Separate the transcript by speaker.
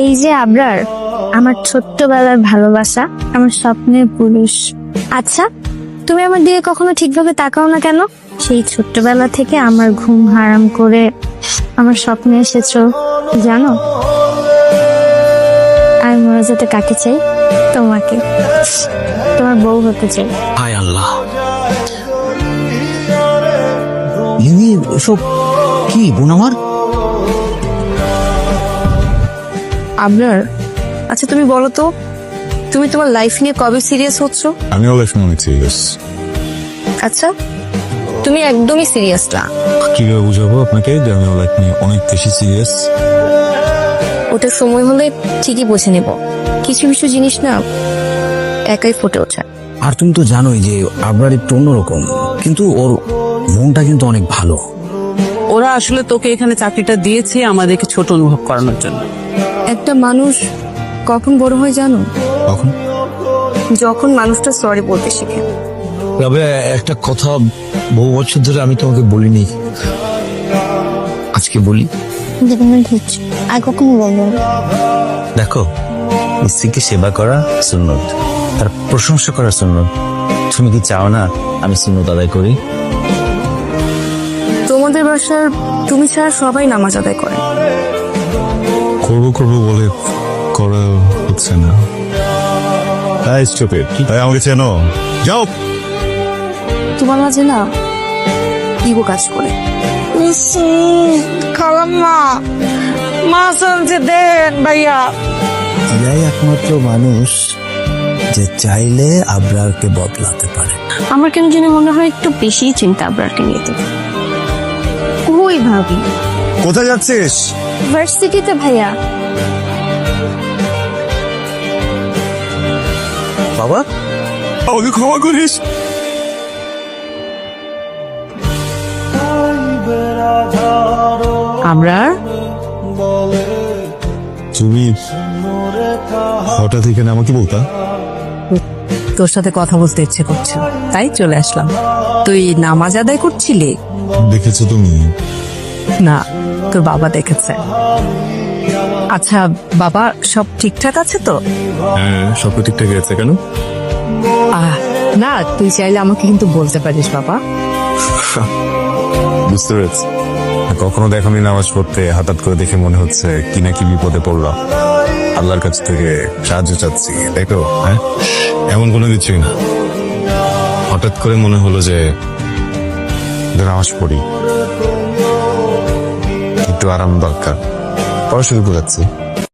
Speaker 1: এই যে আবরার, আমার ছোট্টবেলার ভালোবাসা, আমার স্বপ্নের পুরুষ। আচ্ছা, তুমি আমার দিকে কখনো ঠিকভাবে তাকাও না কেন? সেই ছোট্টবেলা থেকে আমার ঘুম হারাম করে আমার স্বপ্নে এসেছো জানো। আমি মরে যেতে কাকে চাই? তোমাকে, তোমার বউ হতে চাই।
Speaker 2: হায় আল্লাহ, এসব কি বোন আমার?
Speaker 3: আবরার, আচ্ছা তুমি বলো তো, তুমি তোমার লাইফ নিয়ে কবে সিরিয়াস হচ্ছ?
Speaker 4: আমিও লাইফ নিয়ে অনেক সিরিয়াস।
Speaker 3: আচ্ছা, তুমি একদমই সিরিয়াস না।
Speaker 4: কিভাবে বুঝাবো আপনাকে যে আমিও লাইফ নিয়ে অনেক বেশি সিরিয়াস?
Speaker 3: ওটা সময় হলে ঠিকই বুঝে নেব। কিছু কিছু জিনিস না একাই ফুটে ওঠে।
Speaker 2: আর তুমি তো জানোই যে আবরার একটু অন্যরকম, কিন্তু ওর মনটা কিন্তু অনেক ভালো।
Speaker 5: ওরা আসলে তোকে এখানে চাকরিটা দিয়েছে আমাদেরকে ছোট অনুভব করানোর জন্য।
Speaker 3: একটা মানুষ কখন বড় হয় জানো?
Speaker 4: তখন
Speaker 3: যখন মানুষটা সরি বলতে শিখে।
Speaker 2: তবে একটা কথা বহু বছর ধরে আমি তোমাকে বলিনি, আজকে বলি।
Speaker 1: আর কখনো বলবো না।
Speaker 6: দেখো, স্ত্রীকে সেবা করা সুন্নত, তার প্রশংসা করা সুন্নত। তুমি কি চাও না আমি সুন্নত আদায় করি?
Speaker 3: তোমাদের বাসার তুমি ছাড়া সবাই নামাজ আদায় করে।
Speaker 4: করবো করবো বলে করা হচ্ছে না। তাই স্টুপিড, তাই আমাকে চেনো, যাও।
Speaker 3: তোমার মাঝে না ইগো কাজ করে।
Speaker 7: খালাম্মা, মাছ আনছে দেন ভাইয়া।
Speaker 2: এরাই একমাত্র মানুষ যে চাইলে আবরারকে বদলাতে পারে।
Speaker 1: আমার কেন জানি মনে হয় একটু বেশি চিন্তা আবরারকে নিয়ে। তো কই ভাবি?
Speaker 4: কোথায় যাচ্ছিস?
Speaker 1: ভার্সিটিতে ভাইয়া।
Speaker 2: বাবা,
Speaker 4: আমাকে ক্ষমা করিস।
Speaker 5: আমরা
Speaker 4: তুমি হঠাৎ এখানে আমাকে বলতা?
Speaker 5: তোর সাথে কথা বলতে ইচ্ছে করছে, তাই চলে আসলাম। তুই নামাজ আদায় করছিলি?
Speaker 4: দেখেছো তুমি?
Speaker 5: না, তোর বাবা দেখেছে। আচ্ছা বাবা, সব ঠিকঠাক আছে তো?
Speaker 4: হ্যাঁ, সব ঠিকঠাক আছে। কেন?
Speaker 5: না, তুই চাইলে আমাকে কিন্তু বলতে পারিস বাবা।
Speaker 4: বুঝতে পেরেছি। কখনো দেখোনি নামাজ পড়তে, হঠাৎ করে দেখে মনে হচ্ছে কি না কি বিপদে পড়লাম, আল্লাহর কাছ থেকে সাহায্য চাচ্ছি, তাই তো? হ্যাঁ, এমন কোনো কিছুই না। হঠাৎ করে মনে হলো যে নামাজ পড়ি, একটু আরাম দরকার, পড়াশুরু করাচ্ছি।